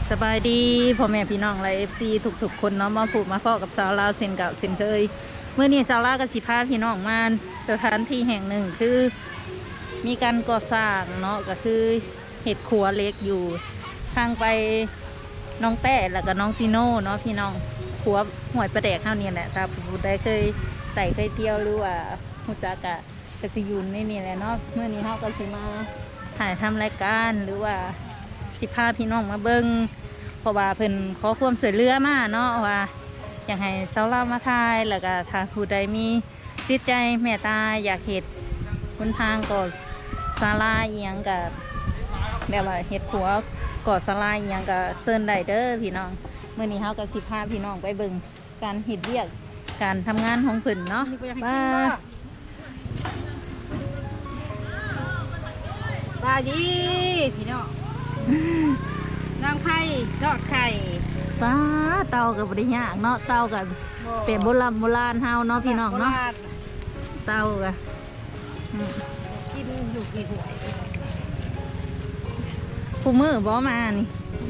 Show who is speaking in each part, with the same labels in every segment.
Speaker 1: สบายดีพ่อแม่พี่น้องและFC ทุกๆคนเนาะมาผูกมาฟ้อกับสาวลาวเซนกับเซนเคยเมื่อนี้สาวลาวกับสิพาพี่น้องมาสถานที่แห่งหนึ่งคือมีการก่อสร้างเนาะก็คือเห็ดครัวเล็กอยู่ทางไปน้องแต้แล้วก็น้องซีโน่เนาะพี่น้องครัวห่วยประแดกเท่านี้แหละถ้าผู้ใดเคยใส่เคยเที่ยวหรือว่าฮู้จักกะสิอยู่ในนี่แหละเนาะเมื่อนี้เฮาก็สิมาถ่ายทำรายการหรือว่าสิพาพี่น้องมาเบิ่งเพราะว่าเพิ่นขอความช่วยเหลือมาเนาะว่าอยากให้สาวลาวมาถ่ายแล้วก็ถ้าผู้ใดมีจิตใจเมตตาอยากเฮ็ดหนทางก่อศาลาอีหยังก็แบบว่าเฮ็ดครัวก่อศาลาอีหยังก็เชิญได้เด้อพี่น้องมื้อนี้เฮาก็สิพาพี่น้องไปเบิ่งการเฮ็ดเวียกการทำงานของเพิ่นเนาะว่า
Speaker 2: บาดีพี่น้องนางไข่ทอดไข่
Speaker 1: ป้าเตากับบริยากเนาะเตากับเป็นโบราณเฮาเนาะพี่น้องเนาะเตากับ
Speaker 2: กินอยู่กี่ถ้วย
Speaker 1: ผู้มือบ่มานี่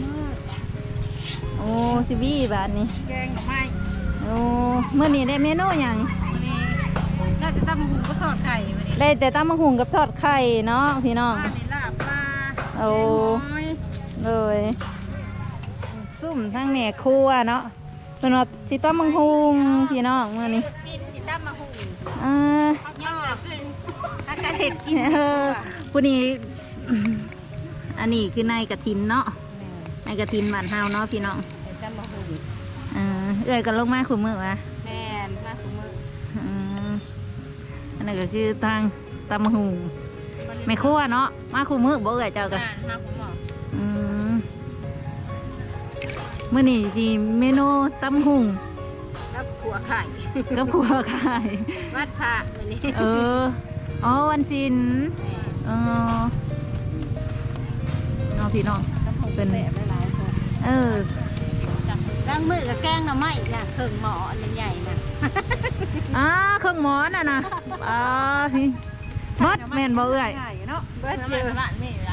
Speaker 1: โอ้ชิบี้บาทนี่
Speaker 2: แกงกับไม้
Speaker 1: โอ้เมื่อนี้ได้เมนูอย่าง
Speaker 2: นี่น่าจะตำมะฮุงก็ทอดไข่วันนี้
Speaker 1: ได้แต่ตำมะฮุงกับทอดไข่เนาะพี่น้อง
Speaker 2: ปลาในลาบปลา
Speaker 1: โอ้เลยซุ่มทั้งแม่ครัวเนาะเป็นว่าสิตำมะฮุงพี่น้องเมื่อนี้
Speaker 2: สิตำมะฮุงย่อขึ้นถ้ากระเด็ดกิน
Speaker 1: ผู้นี้อันนี้คือนายกระถินเนาะนายกระถินบ้านเฮาเนาะพี่น้อง
Speaker 2: ตำมะฮุง
Speaker 1: เอ้ยกันลงมาขุมมือวะ
Speaker 2: แม่มาขุมมือ
Speaker 1: อันนั้นก็คือทางตำมะฮุงแม่ครัวเนาะมาขุมมือบ่เอ้ยเจ้ากัน
Speaker 2: มาขุมมือ
Speaker 1: เมื่อนี้ที่เมนูตำหุง
Speaker 2: กับขัวไข่
Speaker 1: กับขัวไข่
Speaker 2: วัดพระวันนี้
Speaker 1: อ๋อวันศิลน้องพี่น้อง
Speaker 2: เป็นแบบหลายคนล้างมือกับแกงหน่อไม้น่ะเครื่องหม้ออันใหญ่น่ะ
Speaker 1: เครื่องหม้อน่ะนะพี่มัดแม่นบ่เอ้ย
Speaker 2: เนาะเบิดเจอร้านนี่ละ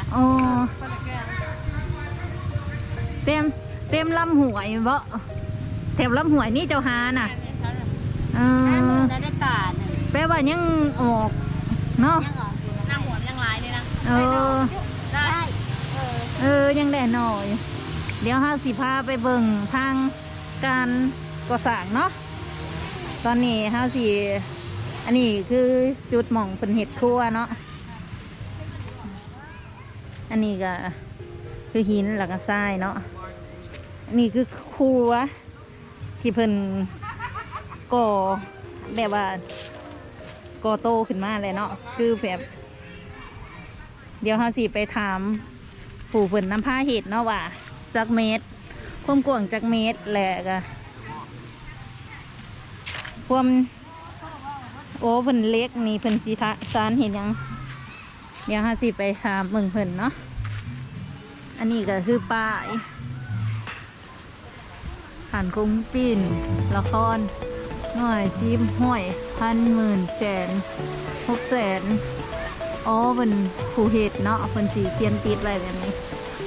Speaker 1: เต็มลำหวยบ่แถมลำหวยนี่เจ้าหาน่ะ
Speaker 2: ได้ตาหนึ่ง
Speaker 1: แปลว่ายังออกเนาะ
Speaker 2: นั่งหัวยังลายเลยนะ
Speaker 1: ได้ยังได้หน่อยเดี๋ยวห้าสิพาไปเบิ่งทางการก่อสร้างเนาะตอนนี้ห้าสิอันนี้คือจุดหม่องเป็นเห็ดครัวเนาะอันนี้ก็คือหินหลักทรายเนาะนี่คือครัวที่เพิ่นก่อแบบว่าก่อโตขึ้นมาเลยเนาะคือแบบเดี๋ยวเราสิไปถามผู้เพิ่นนำผ้าเห็ดเนาะว่าจักเมตรความกว้างจักเมตรแหละก็ความโอ้เพิ่นเล็กนี่เพิ่นสิสานเห็นยังเดี๋ยวเราสิไปถามเบิ่งเพิ่นเนาะอันนี้ก็คือป้ายผ่านคุ้งปิ้นละครหน่อยชิมห้อย1,000,000,600,000อ๋อเป็นผู้เห็ดเนาะเป็นสีเขียนติดอะไรแบบนี้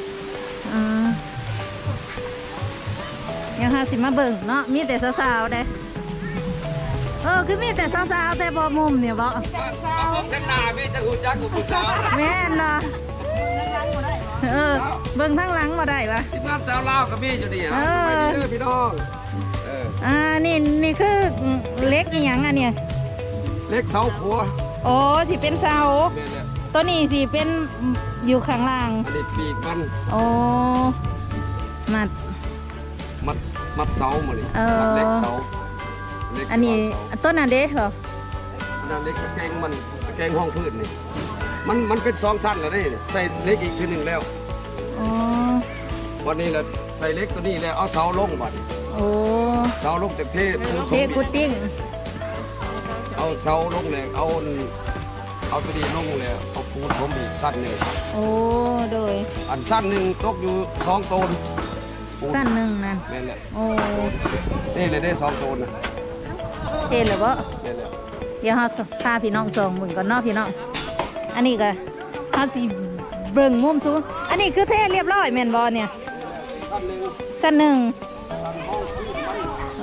Speaker 1: ยังหาสิมาเบิ่งเนาะมีแต่สาวๆได้คือมีแต่สาวๆแต่บ่มุมเนี่ยบ่
Speaker 3: เต็มหน้ามีแต่หุ่นยักษ์กับผู้สาว
Speaker 1: แม่นเนาะเบิ่งทั้งหลังมาได้ปะ
Speaker 3: ที่บ้านสาวลาวกับมีอยู่นี่ไม่ดีเลยพี่น้อง
Speaker 1: นี่คือเล็กอีหยังอันเนี้ย
Speaker 3: เล็กเสาขัว
Speaker 1: โอ้ที่เป็นเสาตัวนี้สิเป็นอยู่ข้างล่าง
Speaker 3: อันนี้ปีกมัน
Speaker 1: โอ้
Speaker 3: มัดเสาหมดเลยเล็กเสา
Speaker 1: อันนี้ต้นอันเด็กเหรอ
Speaker 3: นั่นเล็กตะแกรงมันตะแกรงห้องพื้นนี่มันเป็น2 สั้นแล้วนี่ใส่เล็กอีกทีหนึ่งแล้ววันนี้เราใส่เล็กตัวนี้แล้วเอาเสาลงบัดเสาลงจากเท
Speaker 1: พุดดิ้ง
Speaker 3: เอาเสาลงเลยเอาตัวนี้ลงเลยเอาปูนผมอีกสั้นหนึ่ง
Speaker 1: โดย
Speaker 3: อันสั้นหนึ่งตกอยู่2 ต้น
Speaker 1: สั้นหนึ่งนั่น
Speaker 3: นี่แหละนี่เลยได้2 ต้นนะ
Speaker 1: หรือเปล่าเดี๋ยวเขาพาพี่น้องส่งมึงก่อนเนาะพี่น้องอันนี้ก็เขาสิเบิ่งมุมซูนอันนี้คือเทเรียบร้อยแม่นบอเนี่ย
Speaker 3: ชั้นหนึ่ง
Speaker 1: สั้นหนึ่ง
Speaker 3: ชั้นห้องพื้นไม่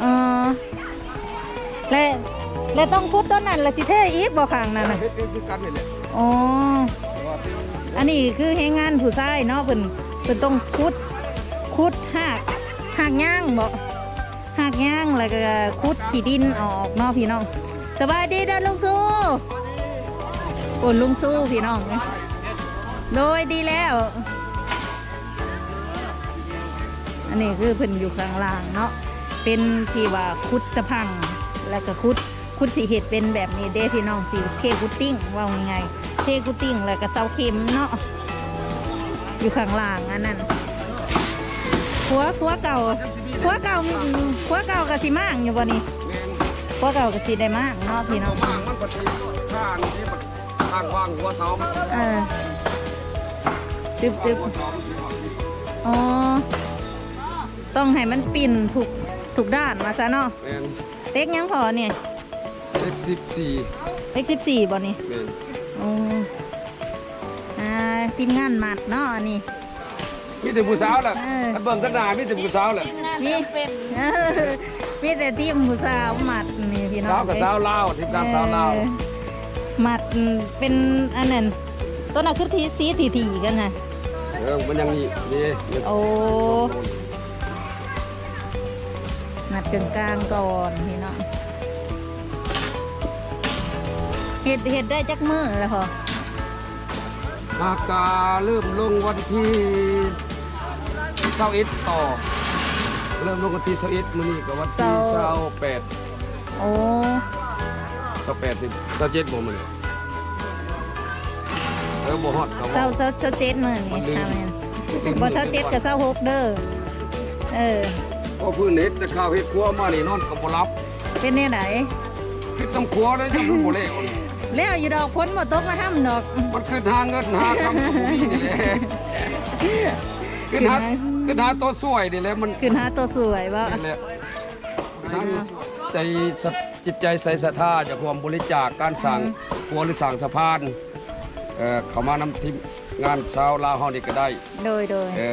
Speaker 1: และต้องคุดต้นนั้นและสิเทอีกบ่ข้างนั่นน่ะ
Speaker 3: เฮ็ดคือกันนี่แหละ
Speaker 1: อ๋อ
Speaker 3: แต่ว่า
Speaker 1: อันนี้คือให้งานผู้ชายเนาะเพิ่นต้องคุดหากย่างบ่หากย่างแล้วก็คุดขี้ดินออกเนาะพี่น้องสบายดีเด้อลุงสู้โอ้ลุงสู้พี่น้องโดยดีแล้ว อันนี้คือเพิ่นอยู่ข้างล่างเนาะเป็นที่ว่าคุดตะพังแล้วก็คุดสีเห็ดเป็นแบบนี้เด้พี่น้องสีเคกุตติ้งว่าไงเคกุตติ้งแล้วก็เสาเข็มเนาะอยู่ข้างล่างอันนั้นหัวเก่ากับสีมากอยู่บ่นี่
Speaker 3: แม่น
Speaker 1: หัวเก่ากับสีได้มากเนาะพี่น้อง
Speaker 3: มากมันปฏิข้างที่มันตั้งวางหัวเสามัน
Speaker 1: ตึบ
Speaker 3: หัวเสามันสิว่า
Speaker 1: อ๋อต้องให้มันปิ่นถูกด้านมาซะเนาะ
Speaker 3: แม่น
Speaker 1: เต็กยังพอเนี่ย
Speaker 3: เลข14
Speaker 1: เต็ก14บ่นี่
Speaker 3: แม่น
Speaker 1: โอ้ทีมงานหมัดเนาะอันนี้
Speaker 3: มีแต่ผู้สาวแหละ
Speaker 1: เออ
Speaker 3: อันเบิ่งกันหน้ามีแต่ผู้สาวแหละ
Speaker 1: มีมีแต่ทีมผู้สาวหมัดนี่พี่น้อง
Speaker 3: สาวกับสาวลาวทีมงานสาวลาว
Speaker 1: หมัดเป็นอันนั้นต้นน่ะคือทีสีถี่กันนะ
Speaker 3: มันยังนี่
Speaker 1: โอ้หมัดกลางก่อนพี่น้องเห็ดได้จักมือแล้วพอ
Speaker 3: มากาเริ่มลงวันที่21ต่อเริ่มลงวันที่21มื้อนี้ก็วันที่28
Speaker 1: โอ้
Speaker 3: 28ถึง27บ่มื้อบ่ฮอดก็
Speaker 1: เศร้าเจ็ดมือนี่ทำไงบ่เศร้าเจ็ดกับเศร้าหกเด้อ
Speaker 3: ก็พื้นเฮ็ดแต่ข้าวเฮ็ดครัวมานี่นอนก็บ่หลับ
Speaker 1: เป็นเนี่ยไหน
Speaker 3: คิดตำครัวแล้วจะบ่แล้ว
Speaker 1: แล้วอยู่ดอกพ้นบ่ตกมาทำดอก
Speaker 3: มันขึ้นหาเงินหาคำบ่มีนี่แหละขึ้นหาตัวสวยนี่แหละมัน
Speaker 1: ขึ้นหาตัวสวยบ่
Speaker 3: นี่แหละใจจิตใจใส่ศรัทธาจากความบริจาคการสั่งครัวหรือสั่งสะพานเขามานำทีมงานชาวลาวเฮานี่ก็ได้
Speaker 1: โดย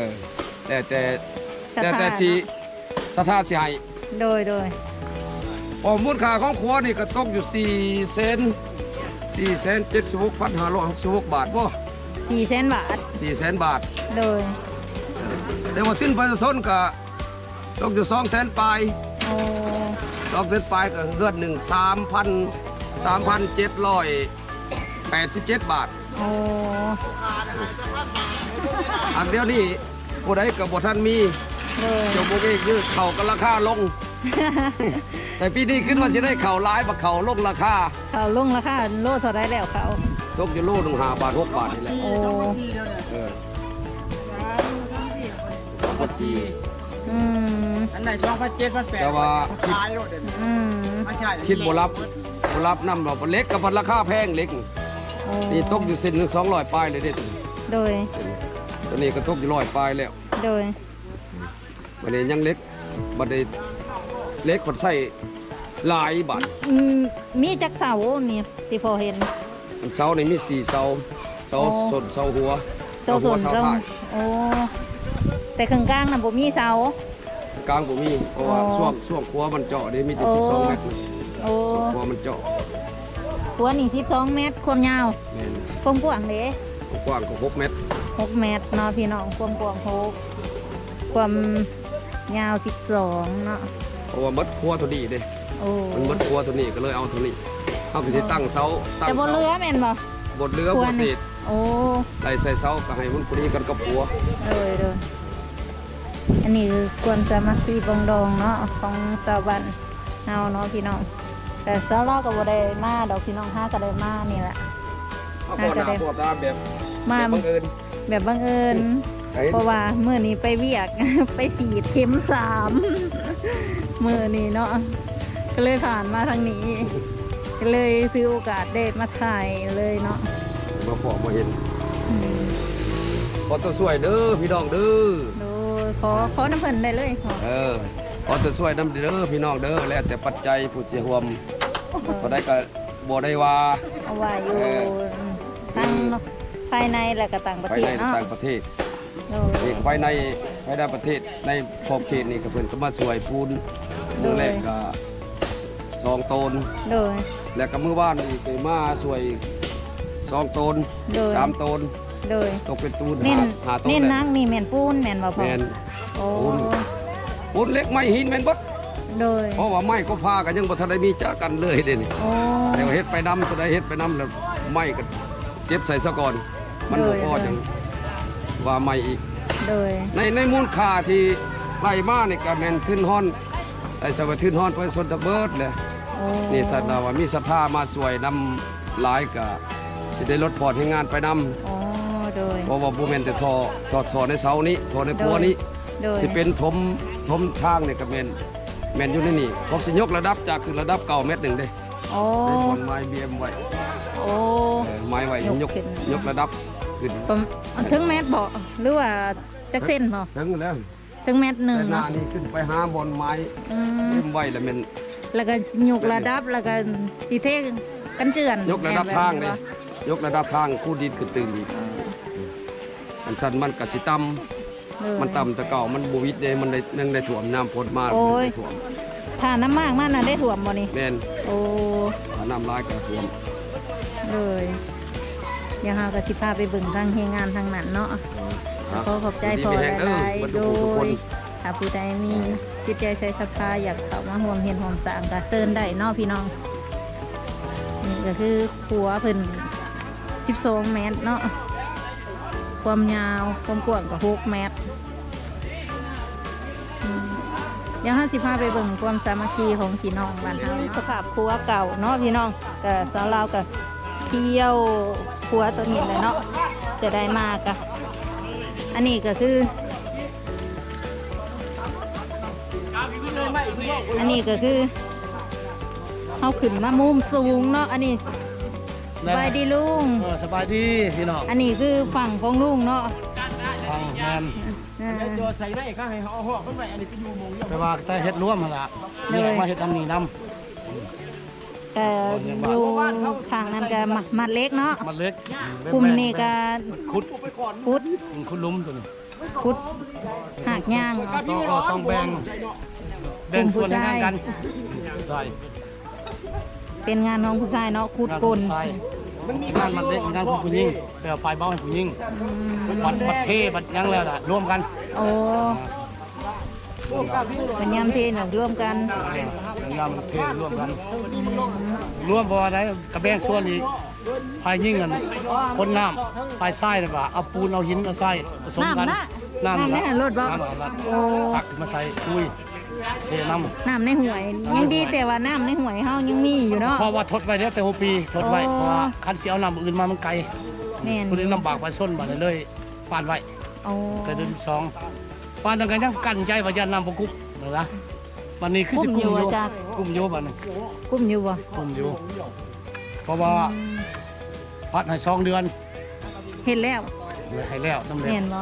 Speaker 3: แต่สิศรัทธาสิให้
Speaker 1: โดย
Speaker 3: มูลค่าของครัวนี่ก็ตกอยู่476,566 บาทบ่
Speaker 1: 400,000 บาท
Speaker 3: 400,000 บาท
Speaker 1: โดย
Speaker 3: แต่ว่าสิ้นประชาชนก็ตกอยู่200,000ปลาย
Speaker 1: โอ้
Speaker 3: 200,000ปลายก็เฮือนหนึ่ง3,787 บาท
Speaker 1: โอ้
Speaker 3: อันเดียวนี่ผู้ใดกับบ่ท่านมี
Speaker 1: โดย
Speaker 3: เจ้าบ่มีคือเข่ากันราคาลง แต่ปีนี้ขึ้นว่าสิได้เข่าหลายบ่เข่าลงราคา
Speaker 1: เขาลงราคาโลเท่าไรแล้วเขา
Speaker 3: ตกอยู่โลหนึง5 บาท 6 บาทนี่แหละ
Speaker 1: โอ้
Speaker 3: เออ
Speaker 1: อืม
Speaker 4: อันไหนช่องพันเจ็ดพันแปด
Speaker 3: แต่ว่า
Speaker 4: ขายรถเด่น
Speaker 1: อืม
Speaker 4: ไม่ใช่
Speaker 3: คิดบ่รับนำเราเล็กกับพันราคาแพงเล็ก
Speaker 1: โอ้
Speaker 3: นี่ตกอยู่เส้นหนึง200ปลายเลยเด้ตัวนี้
Speaker 1: โดย
Speaker 3: ตัวนี้ก็ตกอยู่100ปลายแล้ว
Speaker 1: โดย
Speaker 3: บัดนี้ยังเล็กบัดนี้เล็กคนใส่หลายบาท
Speaker 1: มีจักเสานี่ที่พอเห็น
Speaker 3: เสานี่มี4เสาเสา
Speaker 1: อ๋อ
Speaker 3: ส้นเสาหัว
Speaker 1: เจ้า
Speaker 3: หั
Speaker 1: ส่
Speaker 3: ว
Speaker 1: วน
Speaker 3: เสา
Speaker 1: เจ้า
Speaker 3: ท้าย
Speaker 1: โอ้แต่ข้างกลางน่ะบ่มีเสาก
Speaker 3: ลางบ่มีเพราะว่า
Speaker 1: อ๋อ
Speaker 3: ช่วงหัวมันเจาะนี่มีแต่
Speaker 1: โอ้
Speaker 3: 12เมตร
Speaker 1: โอ้
Speaker 3: หัวมันเจาะ
Speaker 1: หัวนี่12 เมตรความยาว
Speaker 3: แม่น
Speaker 1: ความกว้างเด้
Speaker 3: กว้างก็6เมตร
Speaker 1: 6 เมตรเนาะพี่น้องความกว้าง6ความยาว12เนาะ
Speaker 3: เพราะว่ามัดครัวตัวนี้เด้
Speaker 1: โอ้
Speaker 3: มันมัดครัวตัวนี้ก็เลยเอาตัวนี้เอาไปสิตั้งเสาตั้ง
Speaker 1: แต่บ่
Speaker 3: เสา
Speaker 1: เรือแม่นบ่
Speaker 3: บดเรือ
Speaker 1: ครัว
Speaker 3: บ่
Speaker 1: นี่
Speaker 3: เศษ
Speaker 1: โอ้
Speaker 3: ไล่ใส่เสาก็ให้มันพอดีกันกับหัว
Speaker 1: เลยอันนี้คือควรจะมาคีบองดองเนาะของชาวบ้านเฮาเนาะพี่น้องแต่สาวเราก็บ่ได้มาดอกพี่น้องห้าก็ได้มานี่แหละ
Speaker 3: เอาบ่หน้าบ่ตาแบบ
Speaker 1: มา
Speaker 3: บังเอิญ
Speaker 1: แบบบังเอิญ
Speaker 3: ไอ้
Speaker 1: เพราะว่ามื้อนี้ไปเวียก ไปฉีดเข็ม3 มื้อนี้เนาะก็เลยผ่านมาทางนี้ ก็เลยซื้อโอกาสได้มาถ่ายเลยเนาะ
Speaker 3: มาพอมาเห็น
Speaker 1: อืม
Speaker 3: ขอตัวช่วยเด้อพี่น้องเด้อ
Speaker 1: ดูขอน้ำเพิ่นได้เลยขอ
Speaker 3: ขอตัวช่วยน้ำเด้อพี่น้องเด้อแล้วแต่ปัจจัยผู้สิร่วมก็ได้ก็บ่ได้ว่า
Speaker 1: เอาไว้อยู่
Speaker 3: เออ
Speaker 1: ทั้งภายในและก็ต่างประ
Speaker 3: ไป
Speaker 1: เท
Speaker 3: ใน
Speaker 1: ศเนาะ
Speaker 3: ต่างประเทศ
Speaker 1: โ
Speaker 3: นี่ภายในประเทศในขอบเขตนี่ก็เพิ่นก็มาช่วยปูนมื้อแรกก็2ตน
Speaker 1: โดย
Speaker 3: แล้วก็มื้อวานนี่ก็มาช่วย2ตน
Speaker 1: โดย
Speaker 3: 3ตน
Speaker 1: โดย
Speaker 3: ตกเป็นตูน
Speaker 1: เน้น
Speaker 3: หาตน
Speaker 1: เน้น
Speaker 3: แหละ
Speaker 1: นักนี่แม่นปูนแม่นบ่พ่อ
Speaker 3: แม่น
Speaker 1: โอ้
Speaker 3: ปูนเล็กไม้หินแม่นเบิด
Speaker 1: โดย
Speaker 3: เพราะว่าไม้ก็พากันยังบ่ทันได้มีจ้ากันเลยเด้นี่
Speaker 1: โอ้
Speaker 3: แต่ว่าเฮ็ดไปนำตัวใดเฮ็ดไปนำแล้วไม้ก็เก็บใส่ซะก่อน มันบ่พอจังว่าไม้อีก
Speaker 1: โดย
Speaker 3: ในมูลค่าที่ไล่มานี่ก็แม่นทึนฮ้อนไอ้สวัสดิ์ทึนฮ้อนไปสนตะเบิดเลย
Speaker 1: โอ้
Speaker 3: นี่ถ้าเราว่ามีศรัทธามาช่วยนำหลายก็สิได้ลดพอดให้งานไปนำ
Speaker 1: โอ้โดย
Speaker 3: เพราะว่าบ่แม่นแต่ทอในเสานี้ทอในครัวนี้
Speaker 1: โดย
Speaker 3: สิเป็นถมทางนี่ก็แม่นอยู่ในนี่ผมสิยกระดับจากคือระดับเก่าเม็ดหนึงเด้
Speaker 1: โอ้
Speaker 3: ได้ผลไม้เบียมไว้
Speaker 1: โอ้
Speaker 3: ไม้ไว้ยก
Speaker 1: ขึ้น
Speaker 3: ยกระดับขึ้น
Speaker 1: ประมาณถึงแมตรบ่หรือว่าจักเส้นบ่
Speaker 3: ถึงแล้ว
Speaker 1: ถึงแมตรหนึ่ง
Speaker 3: แต่หน้า
Speaker 1: เนาะ
Speaker 3: นี่ขึ้นไปหาบอนไม้
Speaker 1: อืม
Speaker 3: เบียมไว้แล้วแม่น
Speaker 1: แล้วก็ยกระดับแล้วก็สิเทกันเจือน
Speaker 3: ยกระดับทางเลยยกระดับทางคู่ดินขึ้นตื่นอีกอันสันมันกสิต่ำมันต่ำแต่เก่ามันบวิดเด้มันได้ยังได้ถ่วมน้ำพดมา
Speaker 1: โอ้ย
Speaker 3: ถ่วม
Speaker 1: ถ้าน้ำมากมันน่ะได้ถ่วมบ่นี่
Speaker 3: แม่น
Speaker 1: โอ้
Speaker 3: ถ้าน้ำลายก็ถ่วม
Speaker 1: เลยเดี๋ยวเฮาก็สิพาไปเบิ่งทางเฮงานทางนั้นเนาะขอขอบใจพอหลายๆโดยถ้าผู้ใดมีจิตใจใช้ศรัทธาอยากเข้ามาร่วมเฮ็ดร่วมสร้างก็เชิญได้เนาะพี่น้องนี่ก็คือขัวเพิ่น12เมตรเนาะความยาวความกว้างก็6เมตรเดี๋ยวเราสิพาไปเบิ่งความสามัคคีของพี่น้องบ้านเฮาสภาพครัวเก่าเนาะพี่น้องก็สาวลาวก็เที่ยวครัวตัวนี้เลยเนาะจะได้มากะอันนี้ก็คือ อันนี้ก็คือเขาขึ้นมามุมสูงเนาะอันนี้สบายดีลุง
Speaker 4: สบายดีพี่น้อง
Speaker 1: อันนี้คือฝั่งของลุงเนาะ
Speaker 4: ฟังแมน
Speaker 1: อ่า
Speaker 4: ตัวใส่ได้ข้างให้เอาห่อขึ้นไปอันนี้ไปอยู่มงแต่ว่าแต่เฮ็ดร่วมมาละนี่มาเฮ็ดอันนี้น
Speaker 1: แต่อยู่ข้างนั้นก็มัดเล็กเนาะ
Speaker 4: ำมันเล็ก
Speaker 1: กลุ่มนี้ก็
Speaker 4: ขุด
Speaker 1: พุด
Speaker 4: ขุดลุ่มตัวนี้
Speaker 1: พุดหากย่างเนาะ
Speaker 4: ต้องแบ่งส่วนในงานกันใช่
Speaker 1: เป็นงานของผู้ชายเนาะขุดกล
Speaker 4: ใช่งานมันเล็กงานผู้หญิงแต่ไฟเบาให้ผู้หญิงบัดเทบัดยังแล้วล่ะร่วมกัน
Speaker 1: โอ้เป็นยามเทนร่วมกัน
Speaker 4: ยำเทร่วมกันร่วมบ่ได้กระแบงส่วนอีกภายยิ่งกันคนน้ำภายไส้เลยว่าเอาปูนเอาหินเอาไส้ผสมกัน
Speaker 1: น้ำในรถบ่โอ้
Speaker 4: ตักมาใส่คุยเทน้
Speaker 1: น้ำในห่วย ยังดีแต่ว่าน้ำในห่วยเฮายังมีอยู่เนาะ
Speaker 4: ำเพราะว่าทดไว้แล้วแต่6 ปีทดไว้เพราะว่าคันเสียเอาน้ำอื่นมามันไกล
Speaker 1: แม่น
Speaker 4: คุณนี้ลำบากไปส้นมาเลยปานไว้
Speaker 1: โอ้
Speaker 4: แต่เดือน2ปานดังกันยังกั้นใจว่ายันน้ำบ่กุ๊บเหรอละวันนี้คือ
Speaker 1: กุ้
Speaker 4: สิ
Speaker 1: มอยู่ว่าจ้ะ
Speaker 4: กุ้มอยู่บัดนี้
Speaker 1: กุ้มอยู่บ่
Speaker 4: กุ้มอยู่เพราะว่าพัดให้2 เดือน
Speaker 1: เห็นแล้ว
Speaker 4: ให้แล้วสำเร็จ
Speaker 1: เห็นบ่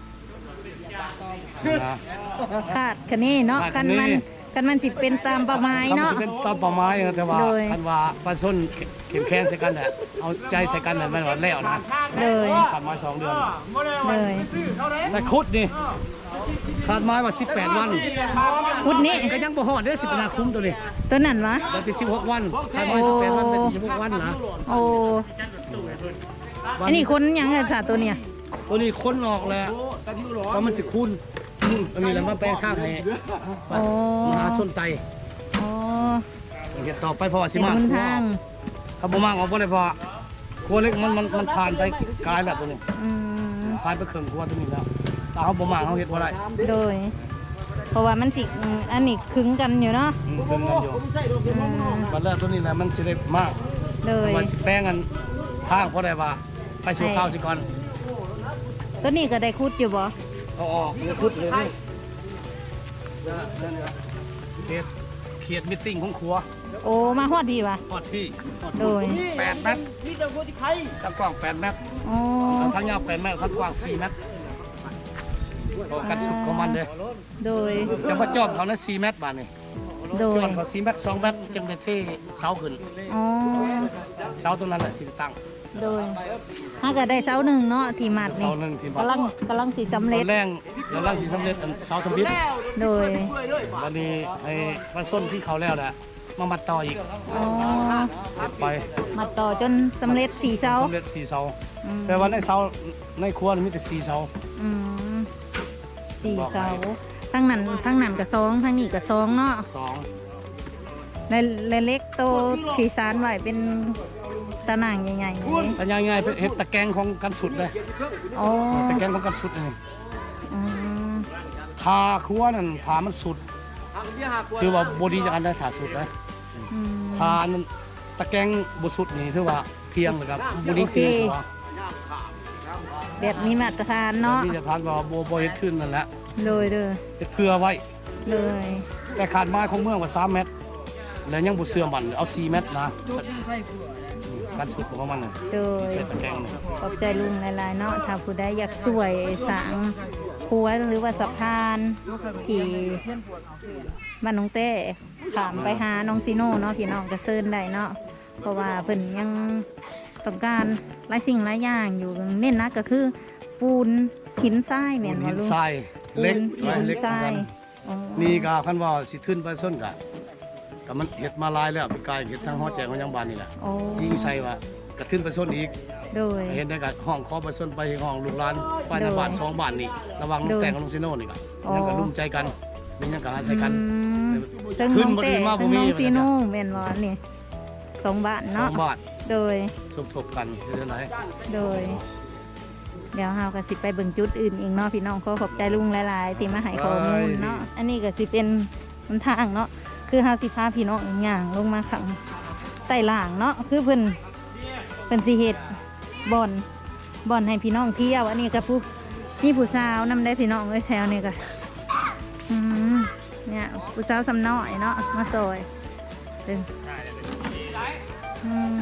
Speaker 4: นะ
Speaker 1: ขาดคันนี้เนาะ
Speaker 4: ขา
Speaker 1: คั
Speaker 4: ด
Speaker 1: น
Speaker 4: คันนี้
Speaker 1: มันสิเป็นตามประมาณเนาะ
Speaker 4: ทำเป็นตามเป้าหมายนะแต่ว่า
Speaker 1: โดย
Speaker 4: คันว่าปลาส้นเข็มแค้นใส่กันแหละเอาใจใส่กันแหละมันว่าแล้วนะ
Speaker 1: เลย
Speaker 4: ขาดไม้2 เดือน
Speaker 1: เลย
Speaker 4: แต่คุดนี่ขาดไม้ว่า18 วัน
Speaker 1: พุดนี้
Speaker 4: ก็ยังบ่ฮอดเด้อ10 นาคมตัวนี้
Speaker 1: ตัวนั้นวะ
Speaker 4: ได้ที่16 วันขาดไม้18 วันได้ที่16 วันนะ
Speaker 1: โอ้อันนี้คนหยังอะจ้ะตัวเนี้ย
Speaker 4: ตัวนี้ค้นออกแล้วว่ามันสิคูณมันมีแล้วมาแปลงข้างให้
Speaker 1: โอ้
Speaker 4: มหาส้นไต
Speaker 1: โอ้
Speaker 4: เดี๋ยวต่อไปพอสิ
Speaker 1: เป็น
Speaker 4: มา
Speaker 1: หนทาง
Speaker 4: ถ้าบ่มากออกบ่ได้พอครัวเล็กมันผ่านไปกลายแบบตัวนี้
Speaker 1: อืม
Speaker 4: ผ่านไปครึ่งครัวตัวนี้แล้วถ้าเฮาบ่มากเฮาเฮ็ดบ่ได้
Speaker 1: โดย เพราะว่ามันสิอันนี้ขึงกันอยู่เนาะ
Speaker 4: เพิ่นกันอยู่
Speaker 1: อืม
Speaker 4: บัดแล้วตัวนี้แหละมันสิได้มาก
Speaker 1: เลย
Speaker 4: ว่าสิแป้งกันทางบ่ได้ว่าไปสู่ข้าวสิก่อน
Speaker 1: ตัวนี้ก็ได้คุดอยู่บ่
Speaker 4: เอาออกเลยพุดเลยนี่เขตมิทติ้งของครัว
Speaker 1: โอ้มาฮอดดีว่ะ
Speaker 4: ฮอดที่ฮอด
Speaker 1: โดย
Speaker 4: 8 เมตรนี่จะคนที่ใครทางกว้าง8 เมตร
Speaker 1: โอ้
Speaker 4: ทางยาว8 เมตรทางกว้าง4 เมตรกันสุดของมันเลย
Speaker 1: โดย
Speaker 4: จะมาจอบเขานะ4 เมตรบาทนี่
Speaker 1: โด
Speaker 4: จ
Speaker 1: ย
Speaker 4: อบเขา4 เมตร 2 เมตรจึงได้เทเสาขึ้น
Speaker 1: อ๋อ
Speaker 4: เสาตรงนั้นแหละสิตั้ง
Speaker 1: โดยถ้าก็ได้เสาหนึ่งเนาะที่มัดนี่
Speaker 4: เสาหนึ่งที่มัด
Speaker 1: กำลังสิสำ
Speaker 4: ต
Speaker 1: เร็
Speaker 4: อ
Speaker 1: จ
Speaker 4: นแรกกำลังสิสำเร็จอันเสาทำบิด
Speaker 1: โดย
Speaker 4: วันนี้ให้มาส้นที่เขาแล้วแหละมามัดต่ออีก
Speaker 1: อ๋อ
Speaker 4: เก็บไป
Speaker 1: มัดต่อจนสำเร็จ4เสา
Speaker 4: สำเร็จ4 เสา
Speaker 1: อืม
Speaker 4: แต่ว่าในเสาในครัวนี่มีแต่4 เสา
Speaker 1: อืม4เสาทั้งนั้นก็2ทั้งนี้ก็2เนาะ
Speaker 4: 2
Speaker 1: และเล็กโตสีสานไว้เป็นตะหน่างใหญ่ๆเลย
Speaker 4: แต่ง่ายๆเป็นเห็ดตะแกรงของกันสุดเลย
Speaker 1: อ๋อ
Speaker 4: ตะแกรงของกันสุดนี่
Speaker 1: อืม
Speaker 4: ทาครัวนั่นทามันสุดคือว่าบดีจากอันได้ถาสุดนะ
Speaker 1: อืม
Speaker 4: ทานั้นตะแกรงบสุดนี่คือว่าเพียงเลยครับบดีเพียงตัว
Speaker 1: แบบมีมาตรฐานเนาะ
Speaker 4: นี่จะทานว่าโบเฮ็ดขึ้นนั่นแหละ
Speaker 1: เลยเด้อ
Speaker 4: เฮ็ดเพื่อไว้
Speaker 1: เลย
Speaker 4: แต่ขาดไม้ของเมืองว่า3 เมตร แล้วยังบุเสื่อมมันเอา4 เมตรนะการสุดของมันน่ะ
Speaker 1: โดย
Speaker 4: เสร็จตะแกรงน่ะ
Speaker 1: ขอบใจลุงหลายๆเนาะถ้าผู้ใดอยากสวยสางครัวหรือว่าสะพานที่บ้านน้องเต้ขามไปหาน้องซีโน่เนาะพี่น้องก็เซินได้เนาะเพราะว่าเพิ่นยังต้องการหลายสิ่งหลายอย่างอยู่เน้นนะก็คือปูนหินทรายแม่นบ่
Speaker 4: หิน
Speaker 1: ลุง
Speaker 4: ทรายเล็ก
Speaker 1: ปูน
Speaker 4: เล็
Speaker 1: หิ
Speaker 4: ก
Speaker 1: นทราย
Speaker 4: กัน
Speaker 1: อ๋อ
Speaker 4: นี่ก็คันว่าสิขึ้นไปส้นกะก็มันเฮ็ดมาหลายแล้วเป็นกายเฮ็ดทั้งฮอดแจงของยังบ้านนี่แหละ
Speaker 1: โอ้
Speaker 4: ยิงใส่ว่าก็ขึ้นไปส้นอีก
Speaker 1: โดย
Speaker 4: เห็นได้ก็ห้องขอไปส้นไปห้องลูกหลานไปในบ้าน2 บ้านนี่ระวังลูกแต่งกับลูกซิโน่นี่ก็
Speaker 1: อ๋อ
Speaker 4: ยังก็ร่วมใจกันเป็นยังก็หาใช้กัน
Speaker 1: ตึง
Speaker 4: ขึ้
Speaker 1: น้
Speaker 4: น
Speaker 1: อง
Speaker 4: บ่
Speaker 1: เต้
Speaker 4: ดีมากบ่
Speaker 1: ตึง
Speaker 4: มี
Speaker 1: น้องซีโน่แม่นบ่นี่2 บ้านเนาะ
Speaker 4: 2 บ้าน
Speaker 1: โดย
Speaker 4: สมทบกันคือจังได๋
Speaker 1: โดย เดี๋ยวเฮาก็สิไปเบิ่งจุดอื่นอีกเนาะพี่น้องขอขอบใจลุงหลายๆที่มาให้ข้อมูลเนาะอันนี้ก็สิเป็นหนทางเนาะคือเฮาสิพาพี่น้องย่างลงมาข้างใต้ล่างเนาะคือเพิ่นสิเฮ็ดบ่อนให้พี่น้องเที่ยวอันนี้ก็ผู้มีผู้สาวนำได้พี่น้องเอ้ยแถวนี้ก็อืมเนี่ยผู้สาวสำน้อยเนาะมาซอยเด้ออืม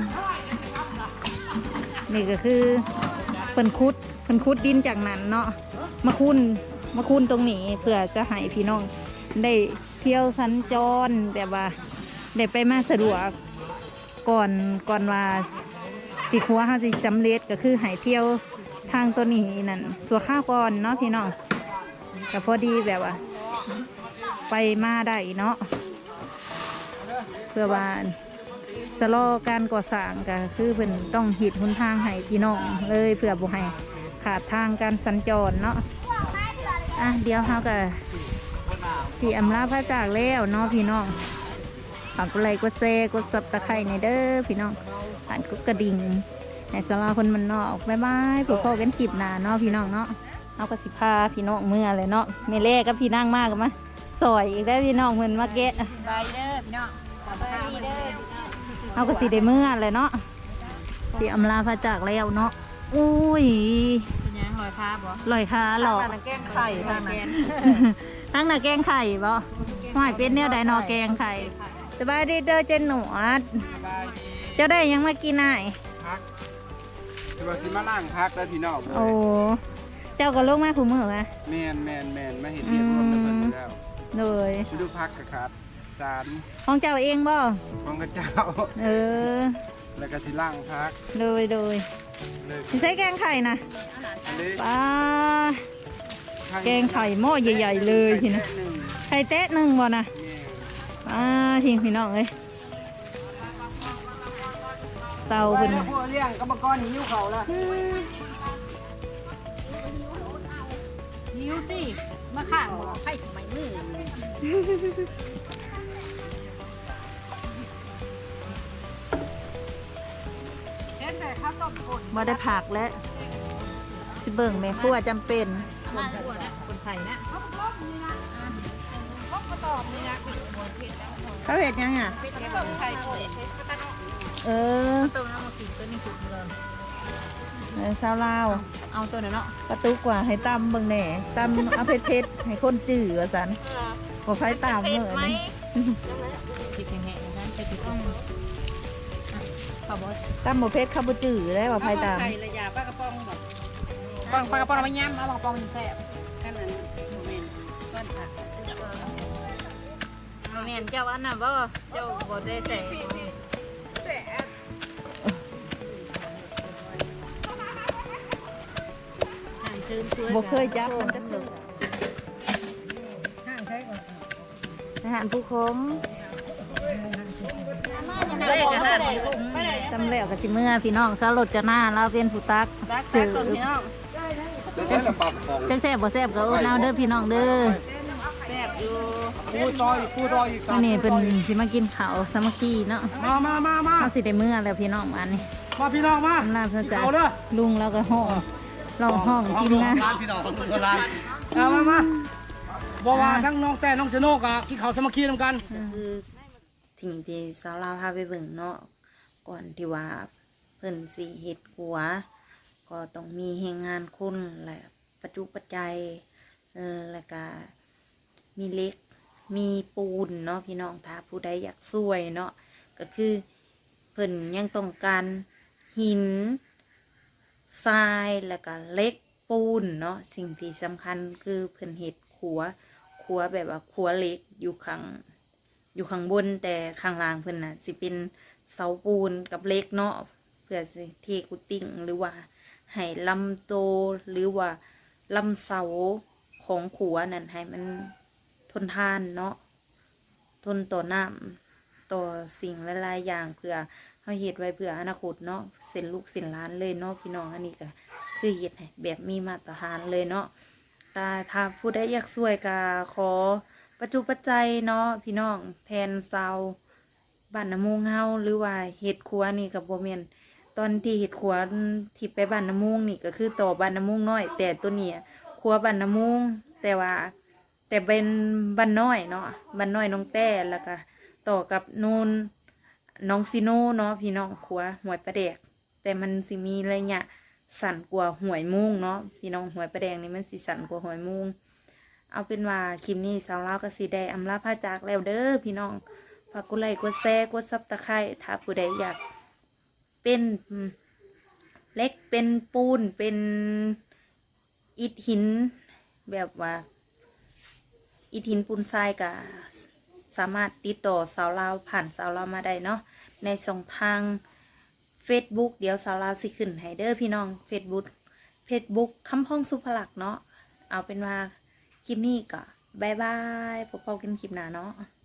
Speaker 1: นี่ก็คือเพิ่นขุดดินจากนั้นเนาะมาคุ้นตรงนี้เพื่อจะให้พี่น้องได้เที่ยวสัญจรแบบว่าได้ไปมาสะดวกก่อนว่าสิครัวเฮาสิสำเร็จก็คือให้เที่ยวทางตัวนี้นั่นสัวข้าวก่อนเนาะพี่น้องก็พอดีแบบว่า ไปมาได้เนาะเพื่อว่าสโลการก่อสร้างก็คือเพิ่นต้องหิดหนทางให้พี่น้องเลยเพื่อบ่ให้ขาดทางการสัญจรเนาะอ่ะเดี๋ยวเฮาก็สิอำลาพระจากแล้วเนาะพี่น้องฝากกดไลค์กดแชร์กดซับตะไคร้ในเด้อพี่น้องผ่านกดกระดิ่งให้สลาคนมันนอกบ๊ายบายพบกันคลิปหน้าเนาะพี่น้องเนาะเอาก็สิพาพี่น้องเมื่อเลยเนาะแม่เล่กับพี่นั่งมากกันมาซอยอีกได้พี่น้องเหมือนมาแกะ
Speaker 2: บายเด้อพี่น้องสบายดีเด้อ
Speaker 1: เอาก็สิได้เมื่อเลยเนาะสิอำลาพระจากแล้วเนาะอุ้ย
Speaker 2: เป็นยังลอยผ้าบ่
Speaker 1: ลอยขาหลอก
Speaker 2: แกงไข่ทางนั้น
Speaker 1: ทั้งน่ะแกงไข่บ่หอยเป็นเนี่ยไดนอแกงไข่สบายดีเด้อเจนหนวดเจ้าได้ยังมากินอ้าย
Speaker 5: จะมาสิมาล่างพักแล้วพี่น้อง
Speaker 1: โอ้เจ้าก็ลงมาผู้มือวะ
Speaker 5: แมนมาเห็นเรียบร้อยแล้วเพิ่นแล้ว
Speaker 1: เลย
Speaker 5: ไปดูพักกับครับสาร
Speaker 1: ของเจ้าเองบ่
Speaker 5: ของกระเจ้า
Speaker 1: เออ
Speaker 5: แล้วก็สิล่างพัก
Speaker 1: เลย
Speaker 5: เลย
Speaker 1: สิใช้แกงไข่นะ
Speaker 5: อันนี้
Speaker 1: ป้าแกงไข่หม้อใหญ่ๆเลยทีนะ
Speaker 5: หนึ่ง
Speaker 1: ไข่เต๊ะหนึ่งบ่นะ
Speaker 5: แม่
Speaker 1: ป้าทิ้งพี่น้องเอ้ยเตาเป็น
Speaker 5: พวกเลี้ยงกรรมกรหิวเขาละ
Speaker 2: นิ้วติมาข้างบ่ไข่ไม่มือเฮ็ดแต่ข้าวต้มป่น
Speaker 1: บ่ได้ผักและสิเบิ่งแม่ครัวจำเป็น
Speaker 2: มาอ้วนนะคนไข่นะเขาต้มนี่นะต้มกระตอบนี่นะเผ็ดแล้ว
Speaker 1: เขาเห็ดยังอ่ะ
Speaker 2: เผ็ดต้มไข่ป่น
Speaker 1: เออ
Speaker 2: ต้มน้ำมากินตัวนี้สุดเลย
Speaker 1: ชาวลาว
Speaker 2: เอาตัวนั้นเนาะ
Speaker 1: กระตุกกว่าให้ตำเบิ่งแหน่ตำเอาเผ็ดๆให้คนจืดว่าสันบ่ไฟตามเหมือนนี่
Speaker 2: ผิดแห้งๆนะไปผิดต้องข้าวบด
Speaker 1: ตำบ่เผ็ดข้าวบ่จืดได้ว่าไฟตาม
Speaker 2: ไข่ระยะปลากระป๋องแบบปลากระป๋องเอาไปย่ำเอาปลากระป๋องแซ่บแค่นั้นโมเมนต์ก้อนผัก
Speaker 1: แม่นเจ้าอันน่ะบ่เจ้าบ่ได้ใส่
Speaker 2: ชิมช่วย
Speaker 1: บ่เคยจับมันจะเกิด
Speaker 2: ห้างใช้ก่อน
Speaker 1: อาหารผู้คง
Speaker 2: เฮ้ยขนาดนี้
Speaker 1: จำแล้วกับสิเมื่อพี่น้องสาวรถจะหน้าเราเป็นผู้ตักสื่อ
Speaker 3: แล้วใช้ละปากของ
Speaker 1: แซ่บบ่แซ่บก็เอาเด้อพี่น้องเด้อ
Speaker 4: ปูดอยอีก
Speaker 1: นี่เป็นสิมากินข้าวสามัคคีเนาะ
Speaker 4: มา
Speaker 1: เขาสิได้เมื่อแล้วพี่น้องอันนี้
Speaker 4: มาพี่น้องมา
Speaker 1: อำนาจพระเจ้า
Speaker 4: เอาเด้อ
Speaker 1: ลุงแล้วก็ห้องเราห้องทีมงาน
Speaker 4: พี่น้องของคนร้านมาบอกว่าทั้งน้องแต่น้องเซโนกะกินข้าวสามัคคีนำกัน
Speaker 6: คือสิ่งที่สาวลาวพาไปเบิ่งเนาะก่อนที่ว่าเพิ่นสิเฮ็ดหัว ก็ต้องมีแรงงานคนและปัจจุปัจจัยแล้วก็มีเหล็กมีปูนเนาะพี่น้องถ้าผู้ใดอยากช่วยเนาะก็คือเพิ่นยังต้องการหินทรายแล้วก็เหล็กปูนเนาะสิ่งที่สำคัญคือเพิ่นเฮ็ดขัวแบบว่าขัวเหล็กอยู่ข้างบนแต่ข้างล่างเพิ่นน่ะสิเป็นเสาปูนกับเหล็กเนาะเพื่อสิเทกุติ่งหรือว่าให้ลำโตหรือว่าลำเสาของขัวนั่นให้มันทนทานเนาะทนต่อน้ำต่อสิ่งหลายๆอย่างเพื่อเฮาเฮ็ดไว้เพื่ออนาคตเนาะเส้นลูกเส้นหลานเลยเนาะพี่น้องอันนี้ก็คือเฮ็ดให้แบบมีมาตรฐานเลยเนาะถ้าผู้ใดอยากช่วยก็ขอปัจจุปัจจัยเนาะพี่น้องแทนชาวบ้านน้ำมูงเฮาหรือว่าเฮ็ดครัวนี่ก็บ่แม่นตอนที่เฮ็ดครัวที่ไปบ้านน้ำมูงนี่ก็คือต่อบ้านน้ำมูงน้อยแต่ตัวนี้ครัวบ้านน้ำมูงแต่เป็นบ้านน้อยเนาะบ้านน้อยน้องแต่แล้วก็ต่อกับนูนน้องซิโนเนาะพี่น้องครัวหวยประแดกแต่มันสิมีระยะสั่นกว่าหวยมุ้งเนาะพี่น้องหวยประแดงนี่มันสิสั่นกว่าหวยมุ้งเอาเป็นว่าคลิปนี้สาวลาวก็สิได้อำลาพาจากแล้วเด้อพี่น้องฝากกดไลค์กดแชร์กดซับตะไคร้ถ้าผู้ใดอยากเป็นเล็กเป็นปูนเป็นอิฐหินแบบว่าอิฐหินปูนทรายก็สามารถติดต่อสาวลาวผ่านสาวลาวมาได้เนาะในช่องทาง Facebook เดี๋ยวสาวลาวสิขึ้นให้เด้อพี่น้อง Facebook คำพ้องสุภลักษณ์เนาะเอาเป็นว่าคลิปนี้ก็บายบายพบกันคลิปหน้าเนาะ